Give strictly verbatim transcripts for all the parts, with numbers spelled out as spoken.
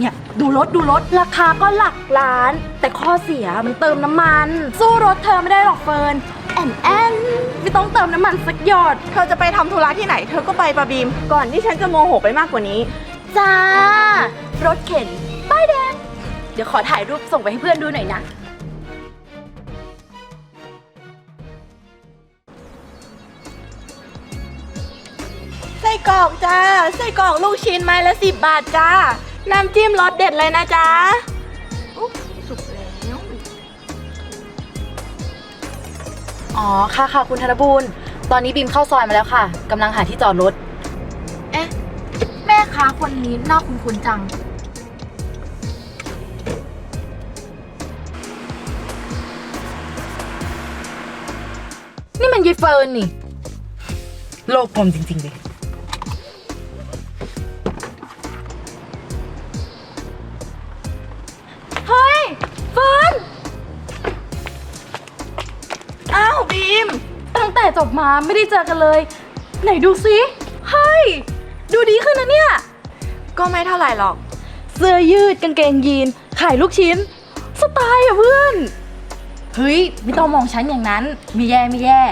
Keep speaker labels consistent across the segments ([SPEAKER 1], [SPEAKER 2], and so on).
[SPEAKER 1] เนี่ยดูรถดูรถราคาก็หลักล้าน แต่ข้อเสียมันเติมน้ำมัน สู้รถเธอไม่ได้หรอกเฟิร์นแอนแอนไม่ต้องเติมน้ำมันสักหยด
[SPEAKER 2] เธอจะไปทำธุระที่ไหนเธอก็ไปปะบีมก่อนที่ฉันจะโมโหไปมากกว่านี้
[SPEAKER 1] จ้ารถเข็นป้ายแดงเดี๋ยวขอถ่ายรูปส่งไปให้เพื่อนดูหน่อยนะ
[SPEAKER 2] ไส้กรอกจ้าไส้กรอกลูกชิ้นไม้ละสิบบาทจ้าน้ำจิ้มรสเด็ดเลยนะจ๊ะอุ๊บสุกแล้ว
[SPEAKER 1] อ๋อค่ะค่ะคุณธนบูรณ์ตอนนี้บีมเข้าซอยมาแล้วค่ะกำลังหาที่จอดรถเอ๊ะแม่ค้าคนนี้น่าคุ้นๆจังนี่มันยายเฟิร์นนี่โลกกลมจริงๆเลยเฮ้ยเฟิร์น
[SPEAKER 2] อ้าวบีม
[SPEAKER 1] ตั้งแต่จบมาไม่ได้เจอกันเลยไหนดูซิเฮ้ยดูดีขึ้นนะเนี่ย
[SPEAKER 2] ก็ไม่เท่าไหร่หรอก
[SPEAKER 1] เสื้อยืดกางเกงยีนขายลูกชิ้นสไตล์อะเพื่อนเฮ้ยไม่ต้องมองฉันอย่างนั้นไม่แย่ไม่แย่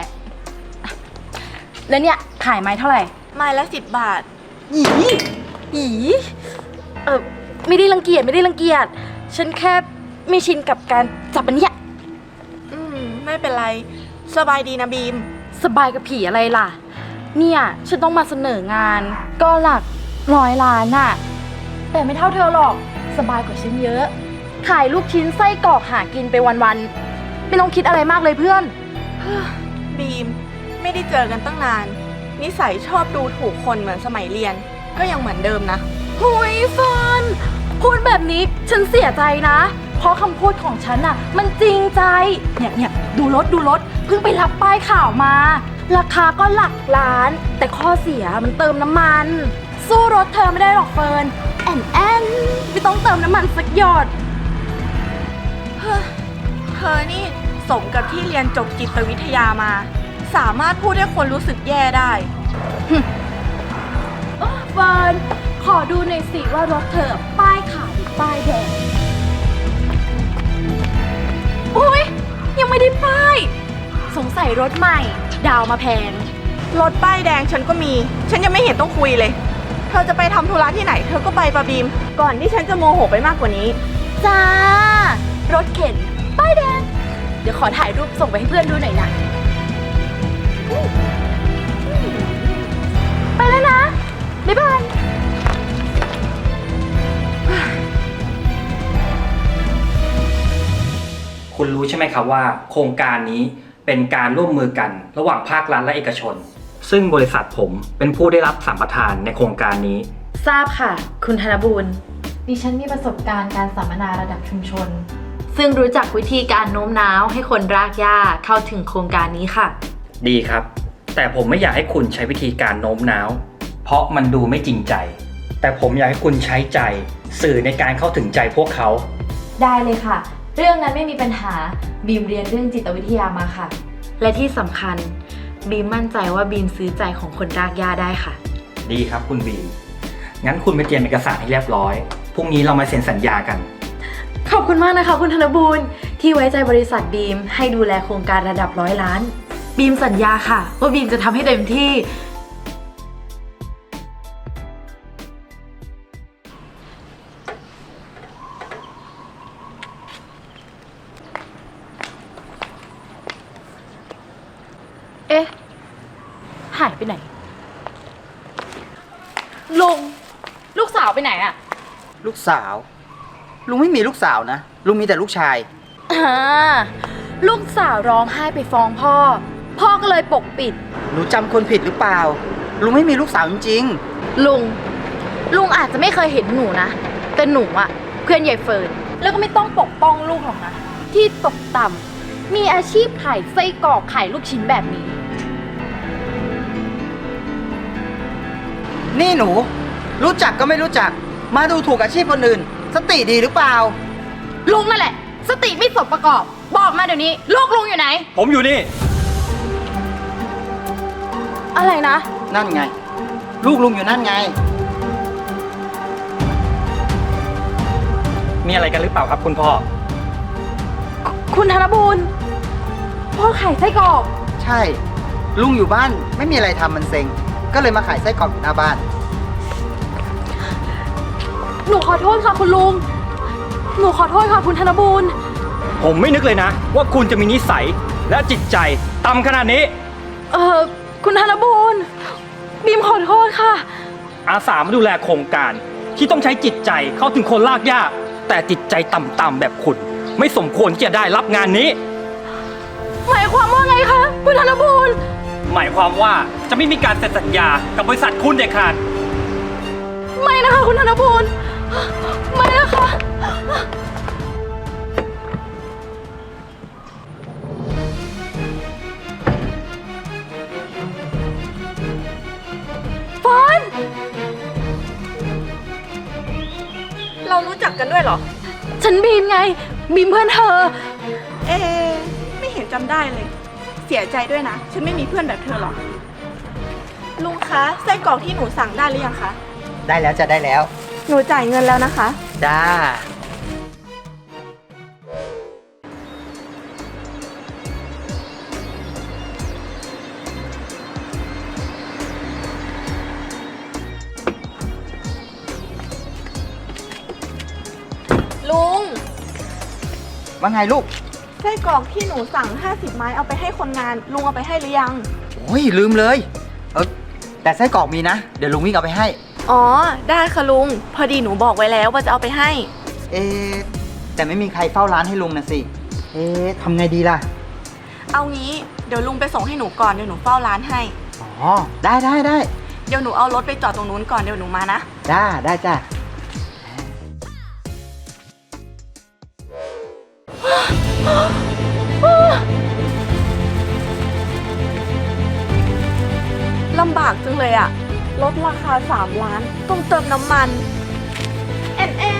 [SPEAKER 1] แล้วเนี่ยขายไม้เท่าไหร่
[SPEAKER 2] ไม้ละสิบบาท
[SPEAKER 1] อีอีเออไม่ได้รังเกียจไม่ได้รังเกียจฉันแค่ไม่ชินกับการจับมันเนี่ย
[SPEAKER 2] อืมไม่เป็นไรสบายดีนะบีม
[SPEAKER 1] สบายกับผีอะไรล่ะเนี่ยฉันต้องมาเสนองานก็หลักร้อยล้านน่ะแต่ไม่เท่าเธอหรอกสบายกว่าฉันเยอะขายลูกชิ้นไส้กรอกหากินไปวันๆไม่ต้องคิดอะไรมากเลยเพื่อน
[SPEAKER 2] บีมไม่ได้เจอกันตั้งนานนิสัยชอบดูถูกคนเหมือนสมัยเรียนก็ยังเหมือนเดิมนะ
[SPEAKER 1] หุยเฟิร์นพูดแบบนี้ฉันเสียใจนะเพราะคำพูดของฉันน่ะมันจริงใจเนี่ยเนี่ยดูรถดูรถเพิ่งไปรับป้ายข่าวมาราคาก็หลักล้านแต่ข้อเสียมันเติมน้ำมันสู้รถเธอไม่ได้หรอกเฟิร์นแอนแอนไม่ต้องเติมน้ำมันสักหยด
[SPEAKER 2] เฮ้อเธอนี่สมกับที่เรียนจบจิตวิทยามาสามารถพูดให้คนรู้สึกแย่ได้
[SPEAKER 1] เฟิร์นขอดูหน่อยสิว่ารถเธอป้ายขาวหรือป้ายแดงโอ้ยยังไม่ได้ป้ายสงสัยรถใหม่ดาวมาแพง
[SPEAKER 2] รถป้ายแดงฉันก็มีฉันยังไม่เห็นต้องคุยเลยเธอจะไปทำธุระที่ไหนเธอก็ไปปะบีมก่อนที่ฉันจะโมโหไปมากกว่านี้
[SPEAKER 1] จ้ารถเข็นป้ายแดงเดี๋ยวขอถ่ายรูปส่งไปให้เพื่อนดูหน่อยนะไปแล้วนะบ๊ายบาย
[SPEAKER 3] คุณรู้ใช่ไหมครับว่าโครงการนี้เป็นการร่วมมือกันระหว่างภาครัฐและเอกชนซึ่งบริษัทผมเป็นผู้ได้รับสัมปทานในโครงการนี้
[SPEAKER 1] ทราบค่ะคุณธนบูรณ์ดิฉันมีประสบการณ์การสัมมนาระดับชุมชนซึ่งรู้จักวิธีการโน้มน้าวให้คนรากหญ้าเข้าถึงโครงการนี้ค่ะ
[SPEAKER 3] ดีครับแต่ผมไม่อยากให้คุณใช้วิธีการโน้มน้าวเพราะมันดูไม่จริงใจแต่ผมอยากให้คุณใช้ใจสื่อในการเข้าถึงใจพวกเขา
[SPEAKER 1] ได้เลยค่ะเรื่องนั้นไม่มีปัญหาบีมเรียนเรื่องจิตวิทยามาค่ะและที่สำคัญบีมมั่นใจว่าบีมซื้อใจของคนรากหญ้าได้ค่ะ
[SPEAKER 3] ดีครับคุณบีมงั้นคุณไปเตรียมเอกสารให้เรียบร้อยพรุ่งนี้เรามาเซ็นสัญญากัน
[SPEAKER 1] ขอบคุณมากนะคะคุณธนบูรณ์ที่ไว้ใจบริษัทบีมให้ดูแลโครงการระดับร้อยล้านบีมสัญญาค่ะว่าบีมจะทำให้เต็มที่เอ๊ะหายไปไหนลุงลูกสาวไปไหนอะ
[SPEAKER 4] ลูกสาวลุงไม่มีลูกสาวนะลุงมีแต่ลูกชาย
[SPEAKER 1] อ่าลูกสาวร้องไห้ไปฟ้องพ่อพ่อก็เลยปกปิด
[SPEAKER 4] หนูจำคนผิดหรือเปล่าลุงไม่มีลูกสาวจริง
[SPEAKER 1] ๆลุงลุงอาจจะไม่เคยเห็นหนูนะแต่หนูอะเพื่อนยายเฟิร์นแล้วก็ไม่ต้องปกป้องลูกหรอกนะที่ตกต่ำมีอาชีพขายไส้กรอกขายลูกชิ้นแบบนี้
[SPEAKER 4] นี่หนูรู้จักก็ไม่รู้จักมาดูถูกอาชีพคนอื่นสติดีหรือเปล่า
[SPEAKER 1] ลุงนั่นแหละสติไม่สมประกอบบอกมาเดี๋ยวนี้ลูกลุงอยู่ไหน
[SPEAKER 3] ผมอยู่นี่
[SPEAKER 1] อะไรนะ
[SPEAKER 4] นั่นไงลูกลุงอยู่นั่นไง
[SPEAKER 3] มีอะไรกันหรือเปล่าครับคุณพ่อ
[SPEAKER 1] คุณธนบูรณ์พ่อขายไส้กรอก
[SPEAKER 4] ใช่ ลุงอยู่บ้านไม่มีอะไรทำมันเซ็ง ก็เลยมาขายไส้กรอกอยู่หน้าบ้าน
[SPEAKER 1] หนูขอโทษค่ะคุณลุง หนูขอโทษค่ะคุณธนบูรณ์
[SPEAKER 3] ผมไม่นึกเลยนะ ว่าคุณจะมีนิสัยและจิตใจต่ำขนาดนี้
[SPEAKER 1] เออคุณธนบูรณ์บีมขอโทษค่ะ
[SPEAKER 3] อาสามาดูแลโครงการที่ต้องใช้จิตใจเข้าถึงคนลากยากแต่จิตใจต่ำๆแบบคุณ ไม่สมควรที่จะได้รับงานนี้
[SPEAKER 1] หมายความว่าไงคะคุณธนบูรณ์
[SPEAKER 3] หมายความว่าจะไม่มีการเซ็นสัญญากับบริษัทคุณเด็ดขาด
[SPEAKER 1] ไม่นะคะคุณธนบูรณ์ไม่นะคะฟอน
[SPEAKER 2] เรารู้จักกันด้วยเหรอ
[SPEAKER 1] ฉันบีมไง บีมเพื่อนเธอ
[SPEAKER 2] เอ๊ะไม่เห็นจำได้เลย เสียใจด้วยนะ ฉันไม่มีเพื่อนแบบเธอหรอก ลุงคะไส้กรอกที่หนูสั่งได้หรือยังคะ
[SPEAKER 4] ได้แล้วจะได้แล้ว
[SPEAKER 2] หนูจ่ายเงินแล้วนะคะ
[SPEAKER 4] จ้า
[SPEAKER 2] ลุง
[SPEAKER 4] ว่าไงลูก
[SPEAKER 2] ไส้กรอกที่หนูสั่งห้าสิบไม้เอาไปให้คนงาน ลุงเอาไปให้หรือยัง
[SPEAKER 4] โอ้ยลืมเลย เออแต่ไส้กรอกมีนะ เดี๋ยวลุงวิ่งเอาไปให้
[SPEAKER 2] อ๋อ ได้ค่ะลุง พอดีหนูบอกไว้แล้วว่าจะเอาไปให้
[SPEAKER 4] เอ๊ะแต่ไม่มีใครเฝ้าร้านให้ลุงนะสิ เอ๊ะทำไงดีล่ะ
[SPEAKER 2] เอางี้เดี๋ยวลุงไปส่งให้หนูก่อนเดี๋ยวหนูเฝ้าร้านให้
[SPEAKER 4] อ๋อ ได้ได้ได้
[SPEAKER 2] เดี๋ยวหนูเอารถไปจอดตรงนู้นก่อนเดี๋ยวหนูมานะ
[SPEAKER 4] จ้า ได้จ้า
[SPEAKER 2] ลำบากจังเลยอะลดราคาสามล้าน ต้องเติมน้ำมัน แอนแอน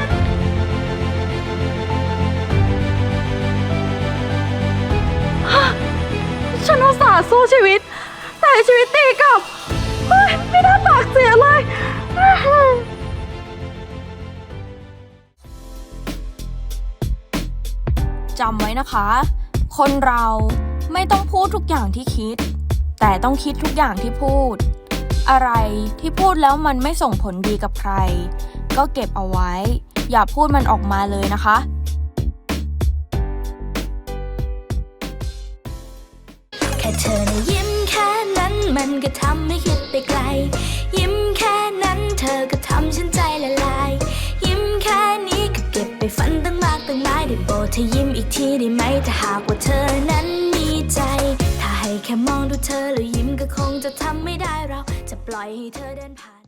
[SPEAKER 1] ฉันอุตส่าห์สู้ชีวิต แต่ชีวิตตีกลับเฮ้ยไม่น่าปากเสียเลย
[SPEAKER 5] จำไว้นะคะ คนเราไม่ต้องพูดทุกอย่างที่คิด แต่ต้องคิดทุกอย่างที่พูด อะไรที่พูดแล้วมันไม่ส่งผลดีกับใคร ก็เก็บเอาไว้ อย่าพูดมันออกมาเลยนะคะ
[SPEAKER 6] แค่เธอนะยิ้มแค่นั้นมันก็ทำให้คิดไปไกล ยิ้มแค่นั้นเธอก็ทำฉันใจละลาย ยิ้มแค่นี้ก็เก็บไปฝันตั้งมากตั้งหลายได้โปรดเธอยิ้มอีกทีได้ไหมถ้าหากว่าเธอนั้นมีใจ ถ้าให้แค่มองดูเธอแล้วยิ้มก็คงจะทำไม่ได้เราจะปล่อยให้เธอเดินผ่าน